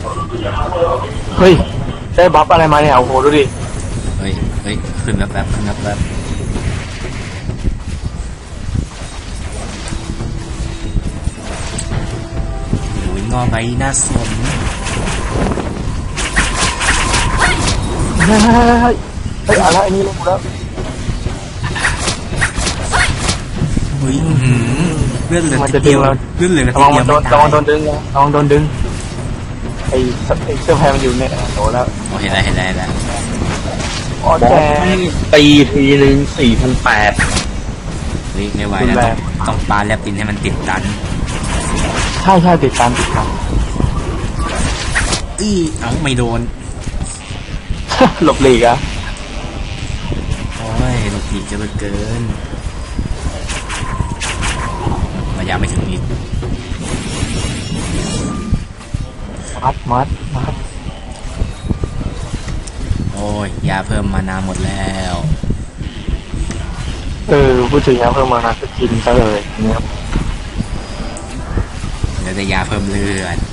เฮ้ยได้บัฟอะไรมาเนี่ยโอ้โหดูดิเฮ้ยขึ้นแป๊บขึ้นแป๊บโอ้ยงอใบหน้าสนเฮ้ยอะไรอันนี้ลงแล้วเฮ้ยเลือดเหลือนิดเดียวเลือดเหลือนิดเดียวระวังโดนดึงระวังโดนดึงไอ้เสื้อแพรมันอยู่เนี่ยโดนแล้วเห็นแล้วอ๋อแจ๊ตีทีนึง4,800 เฮ้ยไม่ไหวแล้วต้องปาแลบปินให้มันติดตันใช่ติดตันไม่โดนหลบหลีกอะโอ้ยหลบหลีกจะเกินระยะไม่ถึงนิดมัดโอ้ยยาเพิ่มมานาหมดแล้วพูดถึงยาเพิ่มมานาก็กินซะเลยเนี่ยเดี๋ยวจะยาเพิ่มเลือด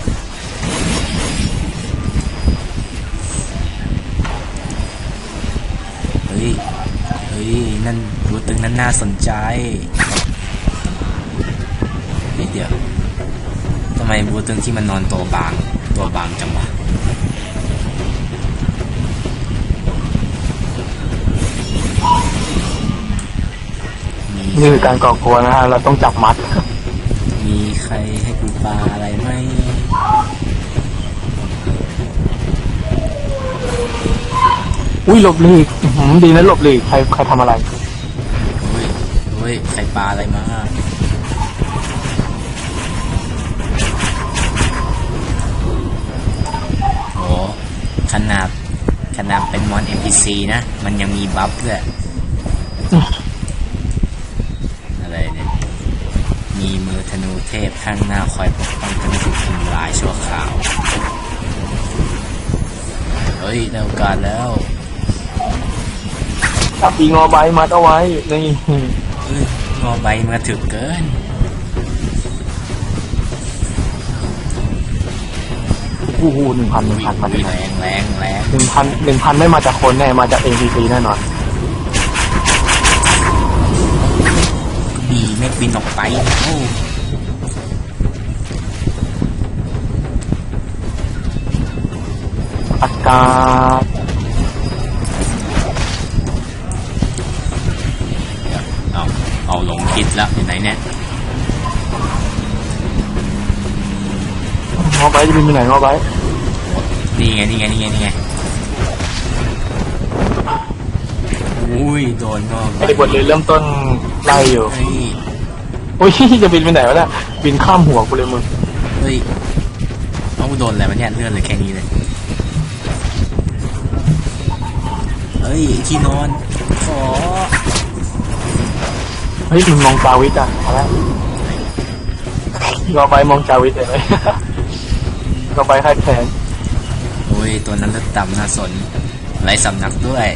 เฮ้ยนั่นรูตึงนั้นน่าสนใจเดี๋ยวทำไมบูตึงที่มันนอนตัวบางจังวะนี่คือการก่อกวนนะฮะเราต้องจับมัดมีใครให้กูปาอะไรไหมอุ้ยหลบหลีกดีนะหลบหลีกใครทำอะไรเฮ้ยใครปาอะไรมาโอ้ขนาดเป็นมอน NPC นะมันยังมีบัฟด้วยอะไรเนี่ยมีมือธนูเทพข้างหน้าคอยปกป้องกันไม่ถูกทำลายชั่วคราวเฮ้ยได้โอกาสแล้วจับปีงอใบมัดเอาไว้นี่งอใบมาถึกเกิน 1,000มาแรง 1,000ไม่มาจากคนแน่มาจาก NPC แน่นอนดีไม่บินออกไปอากาศเอาลงคิดแล้วอยู่ไหนเนี่ยงอใบจะบินไปไหนงอใบนี่ไงอุ้ยโดนงอใบบทเลยเริ่มต้นไล่อยู่โอ้ยจะบินไปไหนวะเนี่ยบินข้ามหัวกูเลยมึงเฮ้ยเอาโดนอะไรมันเนี่ยเลื่อนเลยแค่นี้เลยเฮ้ยที่นอนขอเฮ้ยมึงมองจาวิทอ่ะอะไรงอใบมองจาวิทเลยงอใบคาดแขนโอ้ยตัวนั้นเลือดต่ำน่าสนไรสำนักด้วย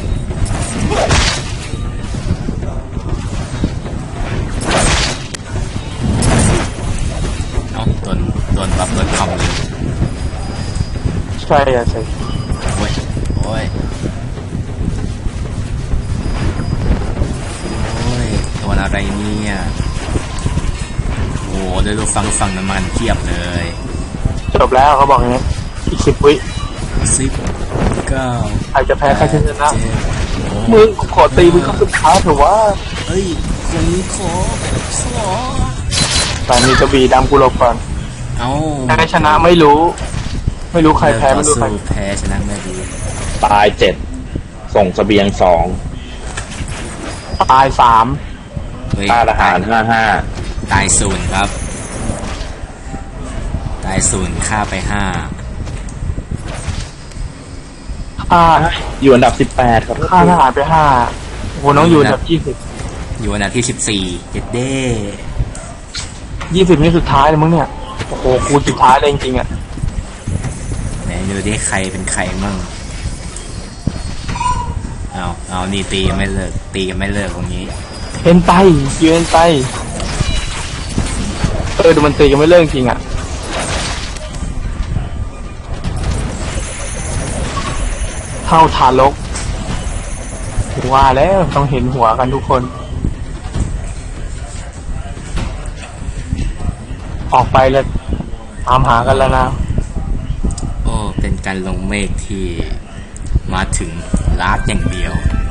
โดนบัฟโดนคอมเลยใช่ใช่โอ้ยตัวอะไรเนี่ยโอ้เดี๋ยวดูฟังน้ำมันเทียบเลยจบแล้วเขาบอกอย่างนี้อีก10 วิ 9 ใครจะแพ้ใครจะชนะมึงขอตีมึงเข้าสุดท้ายเถอะว่าเฮ้ยคนนี้ขอแต่มีกระบี่ดำกูหลบก่อนใครชนะไม่รู้ใครแพ้ไม่รู้ใครแพ้ชนะไม่รู้ตาย7ส่งเสบียง2 ตาย3 ค่าอาหาร55 ตาย0ครับตาย0ค่าไป5 อยู่อันดับ18ครับค่าทหารไป5โหน้องอยู่อันดับ20 อยู่อันดับที่14เจ็ดเด้ 20นี่สุดท้ายเลยมึงเนี่ยโอ้โหกูสุดท้ายเลยจริงๆอ่ะไหนดูดิใครเป็นใครมั่งเอานี่ตีกันไม่เลิกตรงนี้เอ็นไปยืนไปดูมันตีกันไม่เลิกจริงอ่ะเท่าทารกว่าแล้วต้องเห็นหัวกันทุกคน ออกไปแล้วตามหากันแล้วนะโอ้เป็นการลงเมฆที่มาถึงลาดอย่างเดียว